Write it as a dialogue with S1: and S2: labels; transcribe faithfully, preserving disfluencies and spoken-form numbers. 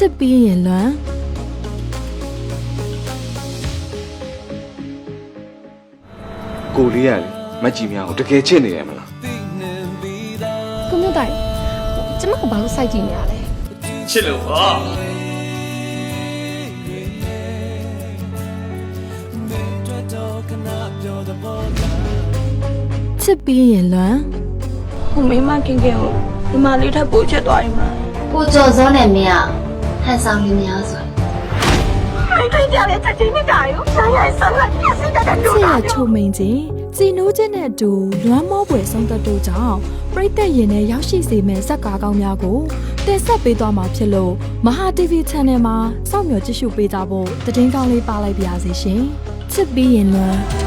S1: စ်ပြီးရင်လွမ်း
S2: ကိုလေးရတယ်မကြည့်များကိုတကယ်ချစ်နေရမလား
S3: ကိုမျိုးတိုင်ကျမကဘာလို့စိုက်ကြည့်နေရလဲ
S2: ချစ်လို့ဟော
S1: ချစ်ပြီးရင်လွမ်း
S3: ဟိုမိမခင်ခင်ကိုဒီမလေးထပ်ပို့ချက်သွားရင်မှာ
S4: ကိုကျော်စောနဲ့မင်းကဟန်ဆောင်လေးများဆို
S3: မိတွေ့ကြတဲ့ချက်ချင်းနဲ့တာရောဆရာဆရာပြည့်စတဲ့တူ
S1: တာဆရာချုံမိန်ချင်းစီနိုးချင်းနဲ့အတူလွမ်းမောပွဲဆုံးသက်တို့ကြောင့်ပရိသတ်ရင်နဲ့ရောက်ရှိစေမယ့်ဇက်ကားကောင်းများကိုတင်ဆက်ပေးသွားမှာဖြစ်လို့မဟာ တီဗီ Channel မှာစောင့်မျှော်ကြည့်ရှုပေးကြဖို့သတင်းကောင်းလေးပါလိုက်ပါရစေရှင်ချစ်ပြီးရင်လွမ်း